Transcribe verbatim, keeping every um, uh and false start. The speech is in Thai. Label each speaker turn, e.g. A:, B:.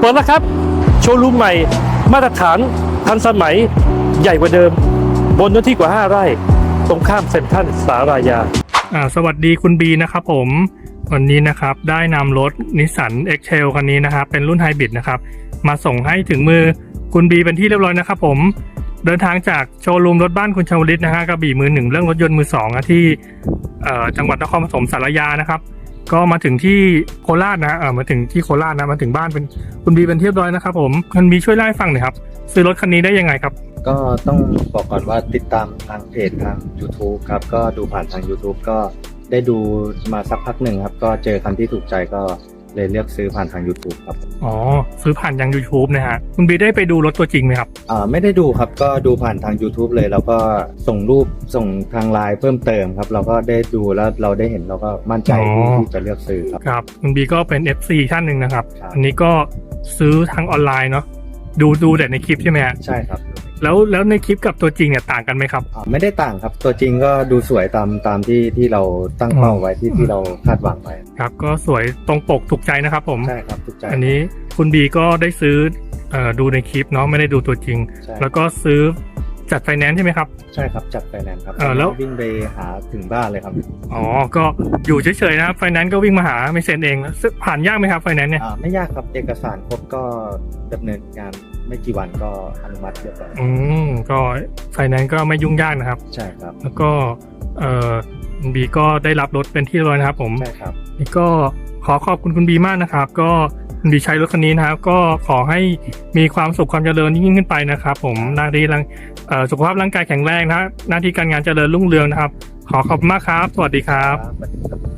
A: ปิดแล้วครับโชว์รูมใหม่มาตรฐานทันสมัยใหญ่กว่าเดิมบนเนื้อที่กว่าห้าไร่ตรงข้ามเซ็นทรัลสารายาอ่าสวัสดีคุณบีนะครับผมวันนี้นะครับได้นำรถนิสสัน X-Trail คันนี้นะครับเป็นรุ่นไฮบริดนะครับมาส่งให้ถึงมือคุณบีเป็นที่เรียบร้อยนะครับผมเดินทางจากโชว์รูมรถบ้านคุณชวลิตนะฮะกระบี่มือหนึ่งเรื่องรถยนต์มือสองที่เอ่อจังหวัดนครปฐมสารยานะครับก็มาถึงที่โคราชนะเออมาถึงที่โคราชนะมาถึงบ้านเป็นคุณบีเป็นที่เรียบร้อยนะครับผมคุณบีช่วยเล่าให้ฟังหน่อยครับซื้อรถคันนี้ได้ยังไงครับ
B: ก็ต้องบอกก่อนว่าติดตามทางเพจทาง YouTube ครับก็ดูผ่านทาง YouTube ก็ได้ดูมาสักพักหนึ่งครับก็เจอคันที่ถูกใจก็เลยเลือกซื้อผ่านทาง YouTube ครับ
A: อ๋อซื้อผ่านทาง YouTube นะฮะคุณบีได้ไปดูรถตัวจริงไหมครับ
B: อ่าไม่ได้ดูครับก็ดูผ่านทาง YouTube เลยแล้วก็ส่งรูปส่งทางไลน์เพิ่มเติมครับเราก็ได้ดูแล้วเราได้เห็นเราก็มั่นใจที่จะเลือกซื้อครับ
A: ครับคุณบีก็เป็น เอฟ ซี ท่านหนึ่งนะครับอันนี้ก็ซื้อทางออนไลน์เนาะดูดูแต่ในคลิปใช่ไหมฮะ
B: ใช่ครับ
A: แล้วแล้วในคลิปกับตัวจริงเนี่ยต่างกันไหมครับ
B: อ๋อไม่ได้ต่างครับตัวจริงก็ดูสวยตามตามที่ที่เราตั้งเป้าไว้ที่ที่เราคาดหวังไว้
A: ครับก็สวยตรงปกถูกใจนะครับผม
B: ใช่ครับถูกใจ
A: อันนี้คุณบีก็ได้ซื้อเอ่อดูในคลิปเนาะไม่ได้ดูตัวจริงแล้วก็ซื้อจัดไฟแนนซ์ใช่ไหมครับ
B: ใช่ครับจัดไฟแนนซ์ครับ
A: เออแล้ว
B: วิ่งไปหาถึงบ้านเลยครับ
A: อ๋อก็อยู่เฉยๆนะครับไฟแนนซ์ก็วิ่งมาหาไม่เซ็นเองผ่านยากไหมครับไฟแนนซ์เนี่ย
B: อ่าไม่ยากครับเอกสารครบก็ดำเนินงานไม่กี่วันก็อนุมัติเรียบร้อย
A: อืมก็ไฟแนนซ์ก็ไม่ยุ่งยากนะครับ
B: ใช่ครับ
A: แล้วก็เอ่อคุณบีก็ได้รับรถเป็นที่เรียบร้อยนะครับผม
B: ใช่ครับ
A: นี่ก็ขอขอบคุณคุณบีมากนะครับก็คุณบีใช้รถคันนี้นะครับก็ขอให้มีความสุขความเจริญยิ่งขึ้นไปนะครับผมหน้าที่ร่างเอ่อสุขภาพร่างกายแข็งแรงนะหน้าที่การงานเจริญรุ่งเรืองนะครับขอขอบคุณมากครับสวัสดีครับ